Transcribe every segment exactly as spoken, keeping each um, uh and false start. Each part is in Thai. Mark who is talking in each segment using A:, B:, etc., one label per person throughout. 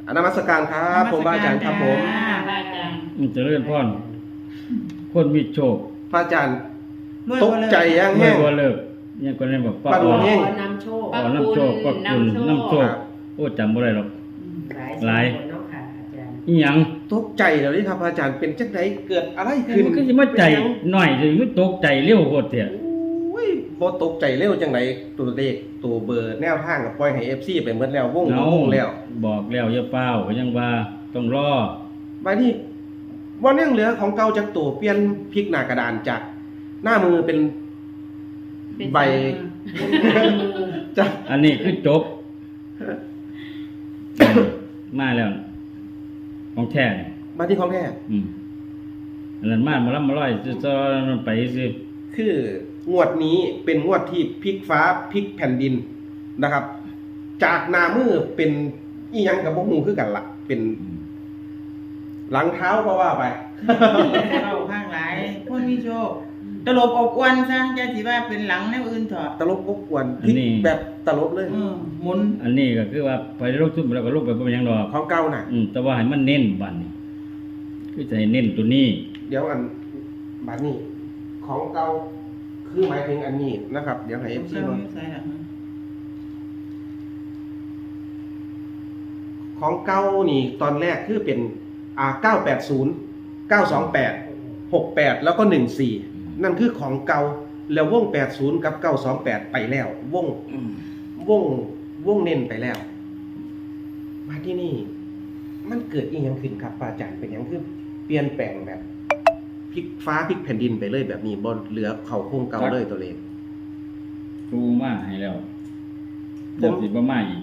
A: นมัสการครับผมอาจารย์ครับผม
B: อาจารย์
C: อืมเจริญพรคนมีโชค
A: พระอาจารย์
D: รวย
A: ต
D: บ่
A: ก
D: เลิก
A: ใจยัง
C: ไม่
A: แห้ง
C: ว่าเลิกยังก็ได้บอกป้า
A: ป้าด
C: อ๋
A: ว
C: อง
A: แห้ง
B: ขอนำโชค
C: อ๋อน้ำโชคป้าคุณน้ำโชคโอ้จำบ่ได้หรอก หลาย
B: เนาะค่ะอาจารย์
C: อีหยัง
A: ตกใจแล้วนี่ครับพระอาจารย์เป็นจังไดเกิดอะไรขึ้น
C: มันก็สิมาใจหน่อยสิมันตกใจเร็วโคตรเถอะ
A: โอ้ยบ่ตกใจเร็วจังไดตัวเลขตัวเบอร์แนวทางก็ปล่อยให้ เอฟ ซี ไปหมดแล้ววง
C: เอา
A: วงแล้ว
C: บอกแล้วอย่าเป้าก็ยังว่าต้องรอ
A: บัดนี้บ่ยังเหลือของเก่าจากตัวเปลี่ยนพลิกหน้ากระดานจากหน้ามือเป็นใบ จาก
C: อันนี้คือจบมาแล้วของแท้นี่
A: มาที่ของแท้
C: อืมอันนั้นมามาลํมาร้อยจะๆไปสิ
A: คืองวดนี้เป็นงวดที่พลิกฟ้าพลิกแผ่นดินนะครับ จากหน้ามือเป็นอีหยังกับบ่ฮู้คือกันล่ะ เป็นหลังเท้าก็ว่าไป
D: เข้าข้างหลายคนมีโชคตลบอบอวนซะอย่าสิว่าเป็นหลังแนวอื่นเถอะ
A: ตลบอบกวนพลิกแบบตลบเลย
D: เออหมุน
C: อันนี้ก็คือว่าไปลงทุนแล้วก็ลงไปบ่เป็นหยังดอก
A: ของเก่าน่ะ
C: อืมแต่ว่าให้มันเน้นบัดนี้คือจะให้เน้นตัวนี้
A: เดี๋ยวอันบัดนี้ ของเก่าคือหมายถึงอันนี้นะครับ เดี๋ยวให้ เอฟ ซี
D: เจ้า
A: เนาะ
D: อยู่ไสล่ะ
A: ของเก่านี่ตอนแรกคือเป็นอ่าเก้าแปดศูนย์ เก้าสองแปด หกแปดแล้วก็หนึ่งสี่นั่นคือของเก่าแล้ววงแปดศูนย์กับเก้าสองแปดไปแล้ว วงวงวงเน้นไปแล้ว มาที่นี่ มันเกิดอีหยังขึ้นครับป้าอาจารย์เป็นหยังคือเปลี่ยนแปลงแบบพลิกฟ้าพลิกแผ่นดินไปเลยแบบนี้บ่เหลือเขาโครงเก่าเลยตัวเลข
C: ครูมาให้แล้ว
A: ผม
C: เดี๋ยวสิบ่มาอีก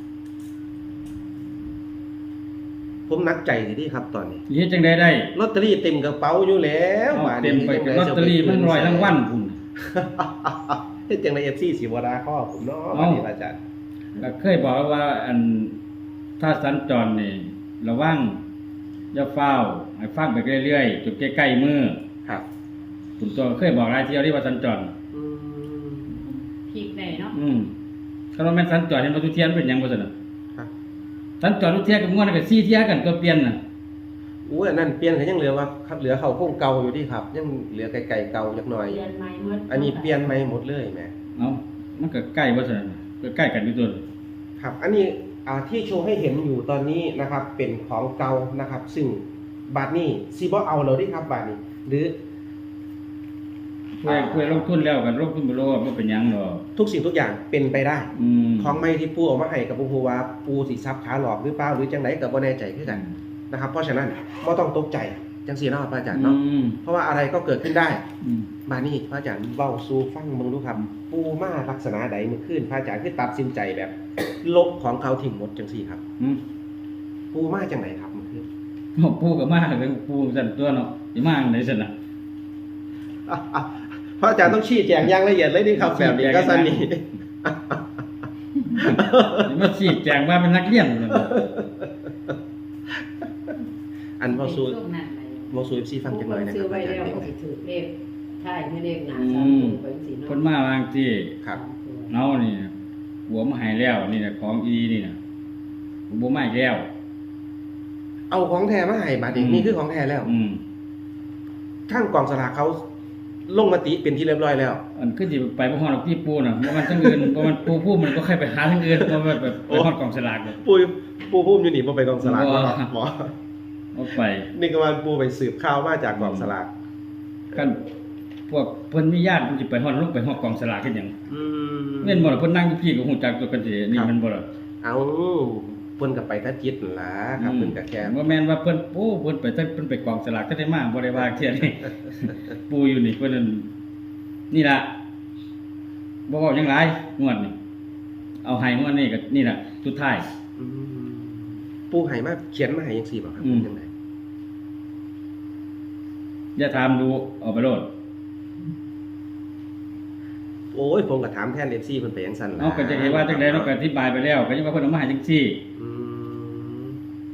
A: ผมนักใจสิที่ครับตอนนี้
C: สิเฮ็ดจังได๋ได้
A: ลอตเตอรี่เต็มกระเป๋าอยู่แล้ว
C: เอา
A: ว่า
C: เต็มไปกับลอตเตอรี่มันร้อยรางวัลพุ่น
A: เฮ็ดจังได๋ เอฟ ซี สิบ่ด่าข้อผมเนาะ
C: เอ้า
A: บัดนี้อาจารย์
C: ก็เคยบอกว่าอันถ้าสัญจรนี่ระวังอย่าเฝ้าวให้ฟังไปเรื่อยๆจุดใกล้ๆมือ
A: ครับ
C: ผมตัวเคยบอกหลายเที่ยวที่ว่าสัญจร
A: อืม
B: พีกได้เนาะ
C: อืมคันว่าแม่นสัญจรเห็นบ่ทุกเที่ยมันเป็นหยังบ่ซั่นน่ะ
A: ครับ
C: สัญจรทุกเที่ยก็ม่วนก็สี่เที่ยกันตัวเปลี่ยนน่ะ
A: อู้อันนั้นเปลี่ยนก็ยังเหลือว่าครับเหลือเขาโครงเก่าอยู่ที่ครับ ยังเหลือไกลๆเก่าจักหน่อย
B: เรียนใหม่หมด
A: อันนี้เปลี่ยนใหม่หมดเลยแหม
C: เอ้ามันก็ใกล้บ่ซั่นน่ะก็ใกล้กันอยู่ตัว
A: ครับ อันนี้อ่าที่โชว์ให้เห็นอยู่ตอนนี้นะครับ เป็นของเก่านะครับ ซึ่งบาทนี้สิบ่เอาเลยที่ครับบาทนี้ หรือ
C: เพื่อเพื่อลงทุนแล้วกันลงทุนบ่รู้ว่าบ่เป็นหยังดอก
A: ทุกสิ่งทุกอย่างเป็นไปได้
C: อืม
A: ของไม่ที่ปูเออกมาให้กับปูว่าปูสิซับขาหลอกหรือเปล่าหรือจังไหนก็บ่แน่ใจคือกันนะครับ เพราะฉะนั้นบ่ต้องตกใจจังซี่เนาะพระอาจารย์เนาะ
C: อืม
A: เพราะว่าอะไรก็เกิดขึ้นได้
C: อืม
A: บานี่พระอาจารย์เว้าสู่ฟังเบิ่งดูครับ ปูมาลักษณะใดเมื่อคืนพระอาจารย์คือตัดสินใจแบบ ลบของเขาทิ้งหมดจังซี่ครับ
C: อืม
A: ปูมาจังไหนครับเมื่อคืน
C: ปูก็มาเลยปูสั่นตัวเนาะสิมาจังไดซั่นน่ะ
A: อ่ะอ่ะพระอาจารย์ต้องชี้แจงอย่างละเอียดเลยนี่ครับแบบนี้ก็สนิท
C: สิมาชี้แจงว่าเป็นนักเรียนซั่นน่ะ
A: อันเว้าสู่
B: ช่วงนั้นไป
A: เว้าสู่ เอฟ ซี ฟังจังหน่อยนะค
B: ซื้
A: รั
B: อบ ไว้
A: อาจาร
B: แล้ว
A: ย์
B: ก็สิถือเลขใช่ไม่เลขหนา
C: อื
B: สาม
C: ม
B: ตัวไปสิเนาะ
C: เพิ่นมาบางที่
A: ครับ
C: เนานี่หัวมาให้แล้วนี่น่ะของอีนี่น่ะบ่มาอีกแล้ว
A: เอาของแท้มาให้บาดนี้
C: อืม
A: นี่คือของแท้แล้ว
C: อืม
A: ทางกองสลากเขาลงมติเป็นที่เรียบร้อยแล้ว
C: อันคือสิไปบ่ฮอดดอกที่ปูน่ะบ่มันทั้งอื่นบ่มันปูผู้มันก็ค่อยไปหาทางอื่นบ่ว่าแบบไปฮอดกองสลากเลย
A: ปูปูพุ่มอยู่นี่บ่ไปกองสลาก
C: บ่
A: บ่หมอ
C: เอาไป
A: นี่ก็ว่าปูไปสืบข่าวมาจากกองสลาก
C: กันพวกเพิ่นมีญาติเพิ่นสิไปฮอดลงไปฮอดกองสลากเฮ็ดหยัง
A: อืม
C: แม่นบ่ล่ะเพิ่นนั่งอยู่พี่ก็ฮู้จักตัวกันสินี่มันบ่ล่ะ
A: เอาเพิ่นก็ไปทัดจิตนั่นล่ะครับเพิ่นก็แค่
C: บ่แม่นว่าเพิ่นโอ้เพิ่นไปแต่เพิ่นไปกองสลากก็ได้มาบ่ได้ว่าเที่ยนี่ ปูอยู่นี่เพิ่นนั่นนี่ล่ะบ่เว้าหยังหลายงวดนี่เอาให้งวดนี้ก็นี่ล่ะสุดท้าย
A: อืมปูให้มาเขียนมาให้จังซี่บ่ครับ
C: อืม
A: จังได
C: อย่าถามดูเอาไปโลด
A: โอ้ยผมก็ถามแทน เอฟ ซี เพิ่นไปจังซั่นล่ะ
C: เอาก็จะเห็นว่าจังได๋เนาะก็อธิบายไปแล้วก็ยังว่าเพิ่นเอามาให้จังซี่
A: อืม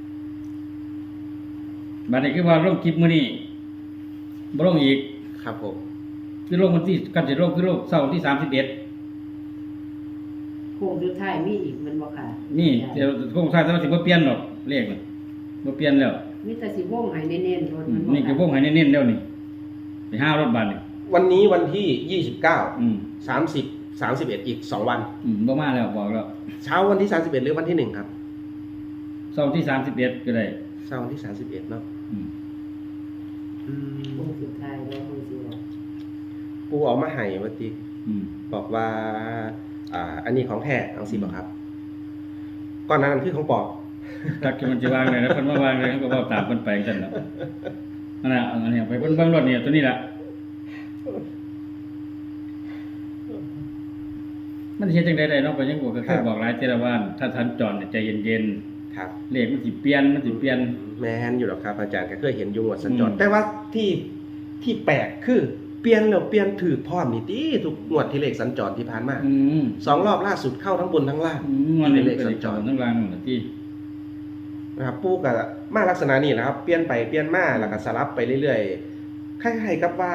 C: บัดนี้คือว่าลงคลิปมื้อนี้บ่ลงอีก
A: ครับผม
C: คือลงวันที่กันสิลงคือลงเสาร์ที่สามสิบเอ็ด
B: โค้งสุดท้ายมีอีกมันบ่ค่ะ
C: นี่เดี๋ยวคงใช้แต่ว่าสิบ่เปลี่ยนหรอกเลขน่ะบ่เปลี่ยนแล้ว
B: มีแต่สิวงให้เน้นๆรถ
C: อื
B: มั
C: ม
B: บ่
C: นี่ก็วงให้เน้นๆแล้วนี่ไปห้ารถบัสนี่
A: วันนี้วันที่ยี่สิบเก้า
C: อืม
A: สามสิบ สามสิบเอ็ดอีกสองวัน
C: อืมบ่มาแล้วบอกแล้ว
A: เช้าวันที่สามสิบเอ็ดหรือวันที่หนึ่งครับ
C: เสาร์ที่สามสิบเอ็ดก็ได้
A: เช้าวันที่สามสิบเอ็ดเนาะ
C: อืม
A: อืม
B: วงสุดท้ายแล้ววงสิว่า
A: ปูเออกมาให้เมื่อกี้
C: อืม
A: บอกว่า อ่า อันนี้ของแท้เอาสิบอกครับก่อนหนานั้นคือของปลอม
C: จักสิมันสิวางเลยนะเพิ่นว่าวางเลยเขาก็เว้าตามเพิ่นไปจังซั่นเนาะนั่นน่ะอันนี้ไปเบิ่งเบิ่งรถนี่ตัวนี้ล่ะมันสิเฮ็ดจังได๋ได้เนาะก็ยังบอกก็เคยบอกหลายเทื่อแล้วว่าถ้าทันจรเนี่ยใจเย็น
A: ครับ
C: ๆเลขมันสิเปลี่ยนมันสิเปลี่ยน
A: แมนอยู่หรอกครับ อาจารย์ก็เคยเห็นอยุงวัดสัญจร
C: อืม
A: แต่ว่าที่ที่แปลกคือเปลี่ยนแล้วเปลี่ยนถือพร้อมนี่ติทุกงวดที่เลขสัญจรที่ผ่านมา
C: อืม
A: สองรอบล่าสุดเข้าทั้งบนทั้งล่าง
C: อืมมันนี่
A: เล
C: เป็น
A: ข
C: เล
A: สั
C: ข
A: ญ
C: จ
A: จ
C: ร
A: ร
C: ทั้งรางนั่นล่ะที่
A: นะครับปูกับมาลักษณะนี้แหละครับ เปลี่ยนไปเปลี่ยนมาแล้วก็สลับไปเรื่อยๆคล้ายๆกับว่า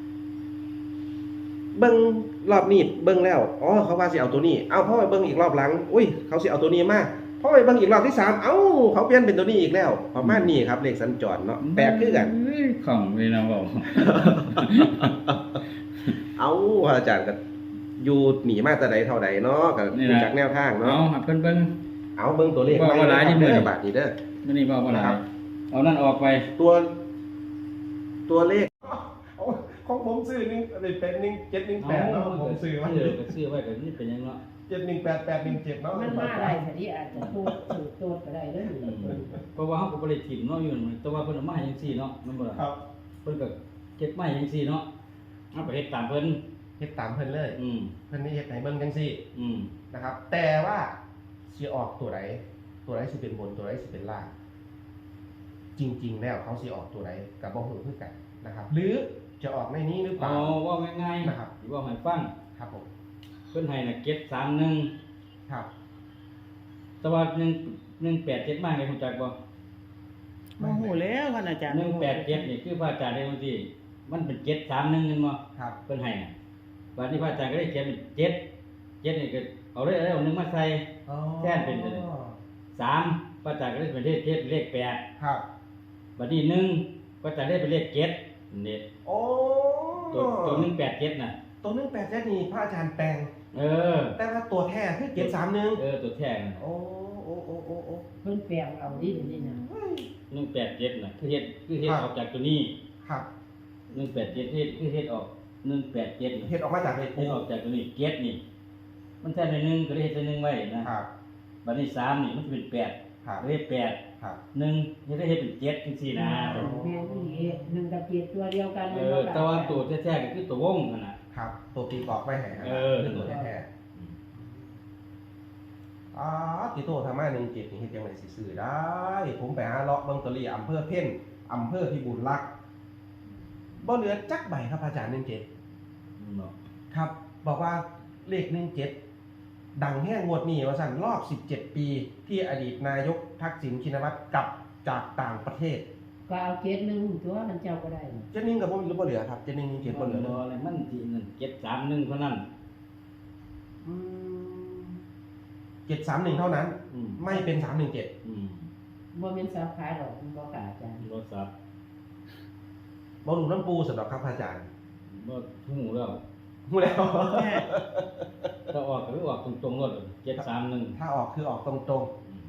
A: เบิ้งรอบนี้เบิ้งแล้วอ๋อเขาว่าสิเอาตัวนี้เอาเพราะไปเบิ้งอีกรอบหลังอุ้ยเขาสิเอาตัวนี้มาเพราะไปเบิ้งอีกรอบที่สามเอ้าเขาเปลี่ยนเป็นตัวนี้อีกแล้วประมาณนี้ครับเลขสัญจรเนาะแปลกคือกัน
C: เอ้ยของเลยนะบอก
A: เอาอาจารย์ก็อยู่หนีมาแต่ใดเท่าใดเนาะก็
C: นี่
A: ดู
C: นะ
A: จากแนวทาง
C: เอา
A: เนาะ
C: ให้เพิ่นเบิ่ง
A: เอาเบิ้งตัวเลข
C: ว่าว่าหลายที่
A: เด้
C: มือ
A: อบาทนี้เด้อ
C: มื้อนี้บ่บ่หลา
A: ครั
C: ย
A: บ
C: เอานั่นออกไป
A: ตัว ตัวเลขของผมซื้อหนึ่งเป็นหนึ่งเจ็ดหนึ่งแปดเนาะผมซื้อไว้
C: เออก็ซื้อไว้ก็นี่เป็นหยังเนาะ
A: เจ็ดหนึ่งแปดแปดหนึ่งเจ็ดเนาะ
B: มันมาได้ซะดิอาจจะโตดถูกโตดก็ได้เด้อ
C: อืมเพราะว่าเฮาก็บ่ได้ถิ่มเนาะอยู่นั่นแต่ว่าเพิ่นเอามาให้จังซี่เนาะแม่นบ่ล่ะ
A: ครับ
C: เพิ่นก็เก็บมาให้จังซี่เนาะเอาไปเฮ็ดตามเพิ่น
A: เฮ็ดตามเพิ่นเลย
C: อืม
A: เพิ่นนี่เฮ็ดให้เบิ่งจังซี่
C: อืม
A: นะครับ แต่ว่าสิออกตัวไหนตัวไหนสิเป็นบนตัวไหนสิเป็นล่าง จริง ๆ แล้วเขาสิออกตัวไหนกับบ่ฮู้คือกันนะครับ หรือจะออกในนี้หรือเป
C: เอา
A: ล่า
C: เว้าง่ายๆ
A: นะครับ
C: สิเว้าให้ฟัง
A: ครับผม
C: เพิ่นให้น่ะเก็บสามหนึ่ง
A: ครับ
C: แต่ว่าหนึ่ง หนึ่งแปดเจ็ดมาเลยรู้จักบ่
D: โมโหแล้วท่านอาจารย์
C: หนึ่งแปดเจ็ดนี่คือพระอาจารย์ได้บางทีมันเป็นเจ็ดสามหนึ่งนึงบ่
A: ครับ
C: เพิ่นให้น่ะบัดนี้พระอาจารย์ก็ได้เขียนเป็นเจ็ดเจ็ดนี่ก็เอาเลยเอาหนึ่งมาใส่
A: อ๋อ
C: แท่นเป็นเลย สามพระอาจารย์ก็ได้เป็นเลขเจ็ดเลขแปด
A: ครับ
C: บัดนี้หนึ่งพระอาจารย์ได้เป็นเลขเจ็ดนี่
A: โอ้
C: ตัวตัวหนึ่งแปดเจ็ดน่ะ
A: ตัวหนึ่งแปดเจ็ดนี่พระอาจารย์แปลง
C: เออ
A: แต่ว่าตัวแท้คือเจ็ดสามหนึ่ง
C: เออตัวแท้น่ะ
A: โอ้โอ้โอ้โอ้โอ้
B: เพิ่นแปลงเอาดิเดี๋ยวนี้นะ
C: หนึ่งแปดเจ็ดน่ะคือเฮ็ดคือเฮ็ด
A: ครับ
C: ออกจากตัวนี้
A: ครับ
C: หนึ่งแปดเจ็ดเฮ็ดคือเฮ็ดออกหนึ่งแปดเจ็ดน่ะ
A: เฮ็ดออกมาจากเลข
C: เฮ็ดออกจากตัวนี้เจ็ดนี่ มันแท้ในหนึ่งก็เลยเฮ็ดในหนึ่งไว้นะครับ บัดนี้สามนี่มันจะเป็นแปด
A: ครับ
C: ก็เลยแปด
A: ครับ
C: หนึ่งนี่ได้เฮ็ดเป็นเจ็ดจังซี่นะ
B: แม่นอีหนึ่งกับเจ็ดตัวเดียวกัน
C: เออแต่ว่าตัวแท้ๆก็คือตัววงนั่นน่ะ
A: ครับ ตัวตีกรอกไว้ให้ครับ
C: เออ
A: คือตัวแท้ๆอ๋อติโตทำมาหนึ่งเจ็ดนี่เฮ็ดยังไงสิซื้อได้ ผมไปหาเลาะเบิ่งตอรี่อำเภอเพ่นอำเภอพิบูลรักษ์บ่เหลือจักใบครับอาจารย์หนึ่งเจ็ด
C: เนาะ
A: ครับ บอกว่าเลขหนึ่งเจ็ดดังแห้งงวดนี้ว่าสั่นรอบสิบเจ็ดปี ที่อดีตนายกทักษิณชินวัตรกลับจากต่างประเทศ
B: ก็เอาเจ็ดหนึ่งตัวมันเจ้าก็ได้
A: เจนิ่งกับผมหรือบ่เหลือครับเจนิ่งเจ็ดบ่เหลือเลย
C: อะไรมันที่นั่นเจ็ดสามหนึ่งเท่านั้น
A: เจ็ดสามหนึ่งเท่านั้น
C: อืม
A: ไม่เป็นสามหนึ่งเจ็ด
C: อืม
B: บ่แม่นสาขาดอกมันบ่กล้าอาจารย์
C: รถสับ
A: บอลลูน้ำปูสำหรับครับอาจารย์
C: บ่หูแล้ว
A: หูแล้ว
C: ถ้าออกก็คือออกตรงๆรถเจ็ดสามหนึ่ง
A: ถ้าออกคือออกตรง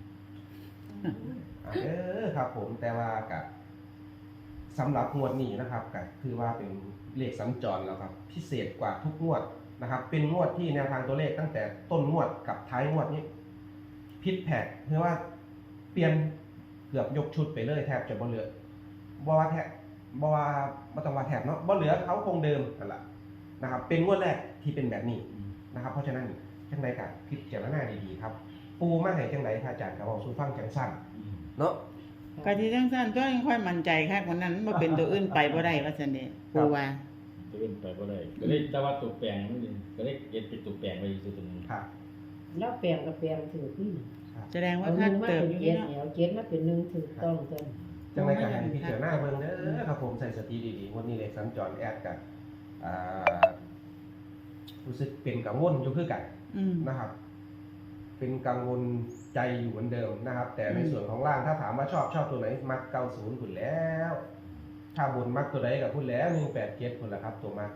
A: ๆอ่ะเออครับผมแต่ว่ากับสำหรับงวดนี้นะครับก็คือว่าเป็นเลขสัญจรแล้วครับ พิเศษกว่าทุกงวดนะครับ เป็นงวดที่แนวทางตัวเลขตั้งแต่ต้นงวดกับท้ายงวดนี้พิษแผกเพราะว่าเปลี่ยนเกือบยกชุดไปเลยแทบจะบ่เหลือบ่ว่าแทบบ่ว่าบ่ต้องว่าแทบเนาะบ่เหลือเขาคงเดิมนั่นแหละนะครับ เป็นงวดแรกที่เป็นแบบนี้นะครับ เพราะฉะนั้นจังไดก็พิจารณาดีๆครับ ปูมาให้จังไดพระอาจารย์ก็เว้าสู่ฟังจังซั่นเนาะ
D: กะที่จังซั่นก็ยังค่อยมั่นใจคักกว่านั้นบ่เป็นตัวอื่นไปบ่ได้ว่าซั่นเด้ปูว่า
C: จะเป็นไปบ่ได้ก็เลยแต่ว่าตัวแปลงมันนี่ก็เลยเก็บเป็นตัวแปลงไว้อยู่ตัวนึง
A: ครับ
B: แล้วแปลงก็แปลงถือที่
D: แสดงว่า
B: เอาห
D: คั
B: นึ่
D: ก
B: งมา
D: เติบ
B: เป็น
D: อยู่
B: เจ็ด
D: เนาะ
B: แล้วเจ็ดมาเป็นหนึ่งถูกต้องจน
A: จังไดก็ให้พิจารณาเบิ่งเด้อครับผมใส่สติดีๆวันนี้เลขสัญจรแอดกันอ่ารู้สึกเป็นกังวลอยู่คือกัน
D: อืม
A: นะครับ แเป็นกังวลใจอยู่เหมือนเดิมนะครับ แต่ในส่วนของล่างถ้าถามว่าชอบชอบตัวไหนมักเก้าศูนย์คุณแล้ว ถ้าบนมักตัวไหนกับคุณแล้วหนึ่งแปดเจ็ดคุณละครับ ตัวมัก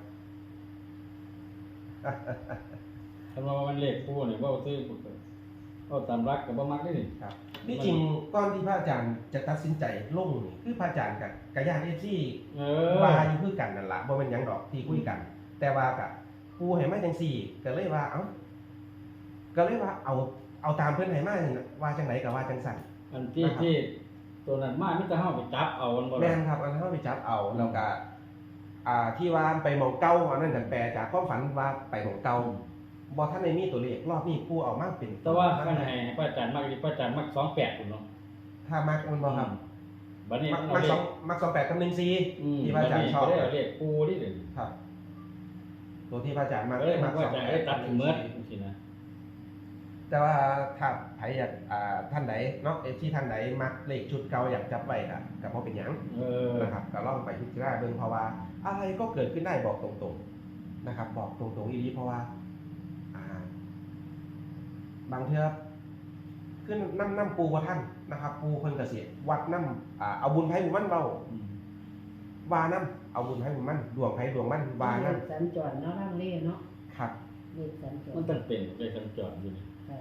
C: คำว่ามันเลขคู่นี่เว้าซื้อเว้าตามรักก็บ่มักได้นี่
A: ครับนี่จริงก้อนที่พระอาจารย์จะตัดสินใจลงนี่คือพระอาจารย์กับกระยาเอซี่
C: เออ
A: ว่าอยู่คือกันนั่นละบ่เป็นหยังดอกที่คุยกัน แต่ว่ากับปูให้มาจังสี่ก็เลยว่าเอ้าก็เลยว่าเอาเอาตามเพิ่นให้มาว่าจังไหนก็ว่าจังสั่น
C: อันที่ที่ตัวนั้นมามีแต่เฮาไปจับเอามันบ่
A: แม่
C: ล่ะ
A: นครับอันนั้นเขาไปจับเอาแล้วก็อ่าที่ว่าไปหมองเก่าอันนั้นแต่แปลจากความฝันว่าไปหมองเก่าบ่ทันได้มีตัวเลขรอบนี้ปูเอามาเป็น
C: แต่ว่าคันให้พระอาจารย์มักนี่พระอาจารย์มักสองแปดพุ่นเนาะ
A: ถ้ามักมันบ่ครับ
C: บัดนี้
A: มัก
C: มัน
A: มั
C: เอา
A: ก
C: เล
A: สอง
C: ข
A: มักสองแปดกับหนึ่งสี่
C: อืม
A: ที่พระอาจารย์ชอบ
C: บัดนี้ก็ได้เลขปูนี่เด้อ
A: ครับ ตัวที่พระอาจารย์มัก
C: เอ้ยมัน
A: มัก
C: ก็
A: สอง
C: จะ
A: แป
C: ได้
A: ด
C: ตัด
A: ห
C: ถึ
A: นึ่
C: ง
A: ง
C: เมื่อ
A: สี่
C: จังซี่นะ
A: แต่ว่าถ้าใครอยากอ่าท่านไหนเนาะเอฟที่ท่านไหนมักเลขชุดเก่าอยากจับไว้ก็ก็บ่เป็นหยัง
C: เออ
A: นะครับก็ลองไปพิจารณาเบิ่งเพราะว่าอะไรก็เกิดขึ้นได้บอกตรงๆนะครับ บอกตรงๆอีหลีเพราะว่าอ่า บางเทื่อขึ้นน้ำน้ำปูว่าท่านนะครับ ปูเพิ่นเกษตรวัดน้ำอ่าเอาบุญไผบุญมันเบา
C: อืม
A: วาน้ำเอาบุญไผบุญมันดวงไผดวงมันวาน้
B: สัญจรเนาะร่างเล่เนาะ
A: ำครับ
B: เลขสัญจร
C: มันต้องเป็นเลขสัญจรอยู่นี่
B: ค่ะ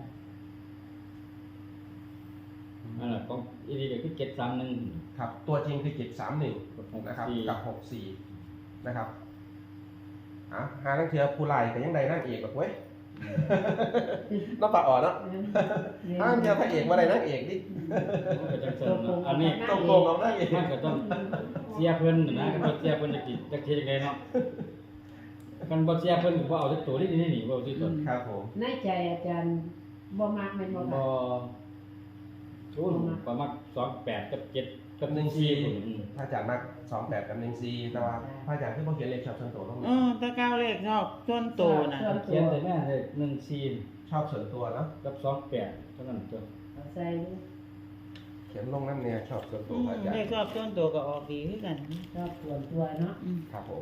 C: นั่นแหละของอีนี่ก็คือเจ็ดสามหนึ่ง
A: ครับ ตัวจริงคือเจ็ดสามหนึ่ง
C: กับหก
A: นะครับ
C: สี่
A: กับหกสี่นะครับอ่ะหาทั้งเทือผู้ไล่แต่ยังใดนั่งเอกแบบเว้ย น้องปลาอ่อนเนาะห้าทั้งเทือพระเอกมาใดนั่งเอกดิ
C: มันก็จังซั่นเนาะอันนี้
A: ตรงโกงเอานั่งเอก
C: มันก็ต้องเสียเพิ่นนะก็เสียเพิ่นจะกินจักเทียจังไดเนาะกันบ่เสียเพิ่นก็บ่เอาจักตัวนี่นี่นี่บ่เอาที่ตัว
A: ครับผม
B: ในใจอาจารย์บ่มักแม่นบ่
C: บ่
B: ค่ะ
C: ชุนประมาณสองแปดกับเจ็ดกับหนึ่งสี่พุ่นอืม
A: พระอาจารย์มักสองแบบกับหนึ่งซีแต่ว่าพระอาจารย์คือบ่เขียนเลขชอบส่วนตัวลง
D: เออตะเก้าเลขชอบส่วนโตนะ
C: เขียนแต่แม่เลยหนึ่งสี่
A: ชอบส่วนตัวเนาะ
C: กับสองแปดเท่านั้นตัว
B: เอาใส่
A: เขียนลงน้ำเนี่ยชอบส่วนตั
D: อื
A: ว
D: ม
A: พระอาจาร
D: เลข
A: ย์
D: ชอบส่วนโตก็ออกดีคือกัน
B: ชอบส่วนตัวเนาะ
D: อืม
A: ครับผม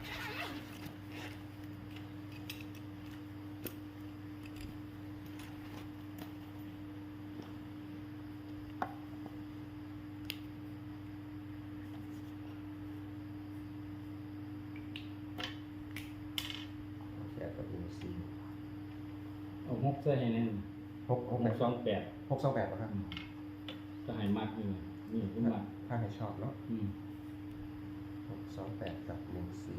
A: แปดกับหนึ่งซี
C: เอาหกใส่ให้แน่น
A: หกห
C: ห
A: ก
C: ก
A: แบบ
C: สองแปด
A: หกสองแปดนะครับ
C: ก็ให้มากนี่นี่คือมาก
A: ถ้าใครชอบเนาะ
C: อืม
A: หกสองแปดกับหนึ่งสี่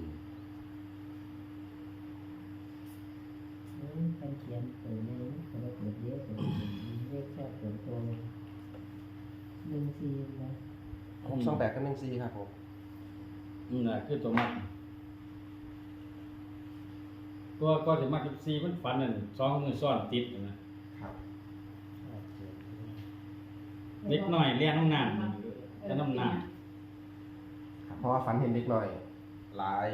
B: อืมเป็นเขียนตัวนี้ก็บ่เกิดเยอะตัวเลขชอบส่วนตัวหนึ่งสี่นะ
A: หกสองแปดกับหนึ่งซีครับผม
C: นี่น่ะคือตัวมากตัวก็สิมากสิบสี่มันฝันนั่นสองมือซ้อนติดนะครับ เล็กน้อยเลี้ยงน้ำน้ำแต่น้ำน้
A: ครับเพราะว่าฝันเห็นเด็กหน่อย หลาย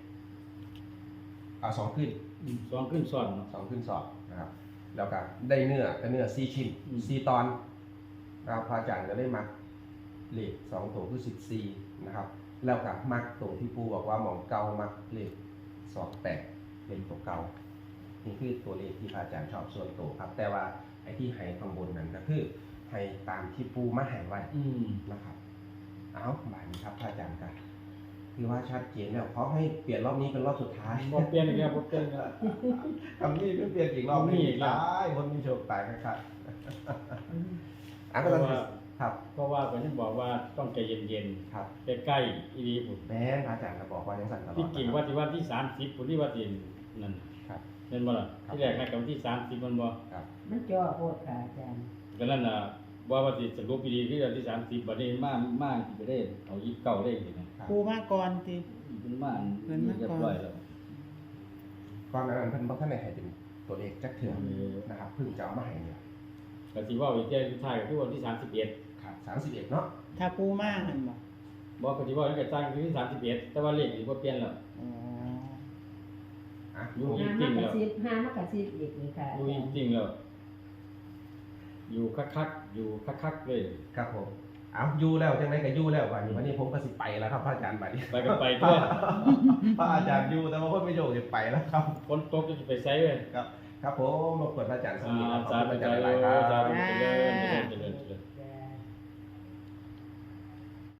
A: อ่าสองขึ้น
C: ำสองขึ้นซ้อนเนาะ
A: สองขึ้นสอบนะครับ แล้วก็ได้เนื้อก็เนื้อซีชิ้น
C: อืม
A: ซีตอนนะครับพระอาจารย์ก็ได้มักเลขสองตัวคือสิบสี่นะครับ แล้วก็มักตัวที่ปูบอกว่าหมองเก่ามักเลขสองแปดเป็นตัวเก่านี่คือตัวเลขที่พระอาจารย์ชอบส่วนตัวครับ แต่ว่าไอ้ที่ให้ข้างบนนั้นก็คือให้ตามที่ปูมาให้ไว้
C: อืม
A: นะครับ เอาบ่ายนี้ครับพระอาจารย์กันคือว่าชัดเจนแล้วเพราะให้เปลี่ยนรอบนี้เป็นรอบสุดท้าย
C: บ่เปลี่ยนอีกแล้วบ่เปลี่ยนอีกแล้ว
A: คำนี้ไม่เปลี่ยนอีกรอบ
C: มี
A: นี้
C: อีกแล้ว
A: ตายคนมีโชคตายครับ
B: อืม
A: อ่ะก็ต้องครับ
C: เพราะว่าผมยังบอกว่าต้องใจเย็น
A: ครับ
C: ๆใกล้ๆอีดีพุ่น
A: แม่นพระอาจารย์ก็บอกว่ายังสั่นตลอด
C: ที่จริงว่าที่วันที่สามสิบพุ่นที่ว่าที่นั่น
A: ครับ
C: เป็นบ่ล่ะ
A: ครับ
C: ที่แรกให้กับวันที่สามสิบมันบ่
A: ครับ
B: มันจ่อโพดค่ะอาจารย์
C: ก็นั่นน่ะว่าว่าสิสรุปอีดีที่วันที่สามสิบบัดนี้มามาสิไปได้เอายี่สิบเก้าเลขนี่นะครับ
D: ครูมาก่อนติ
C: เป็นมา
D: เพิ่นมาก่อน
C: เรียบร้อยแล้ว
A: ก่อนหนานั้นเพิ่นบอกท่านไหนให้เป็นตัวเลขจักเถื่อน
C: เออ
A: นะครับเพิ่งจะเอามาให้เนี่ย
C: ก็สิเว่าอีกแค่สุดท้ายก็คือวันที่สามสิบเอ็ด
A: ครับสามสิบเอ็ดเนาะ
D: ถ้าปูมาหั่นบ่
C: บอกก็สิเว่าตั้งแต่สร้างคือที่สามสิบเอ็ดแต่ว่าเลขนี่บ่เปลี่ยนแล้ว
D: อ๋อ
A: อ่ะ
C: อยู่
B: ห้ามากระซิบห้ามากระซิบอีกเลยค่ะอา
C: อยู่
B: จารย์
C: จริงๆแล้ว อยู่คักๆอยู่คักๆเลย
A: ครับผมเอาอยู่แล้วจังไดก็อยู่แล้ววันนี้วันนี้ผมก็สิไปแล้วครับพระอาจารย์บัดนี้
C: ไปกันไปทั่ว
A: พระอาจารย์อยู่แต่ว่าเพิ่นไม่โยกจะไปแล้วครับ
C: ฝนตกจะไปไสเว้ย
A: ครับครับผมรบกวนพระอาจารย์ส
C: อ่า
A: มีครับขอบ
C: สา
A: คุณพ
C: ธุ
A: ระอาจารย์หลายๆครับ
C: สาธุเจริญเจริญเจริญเจริญ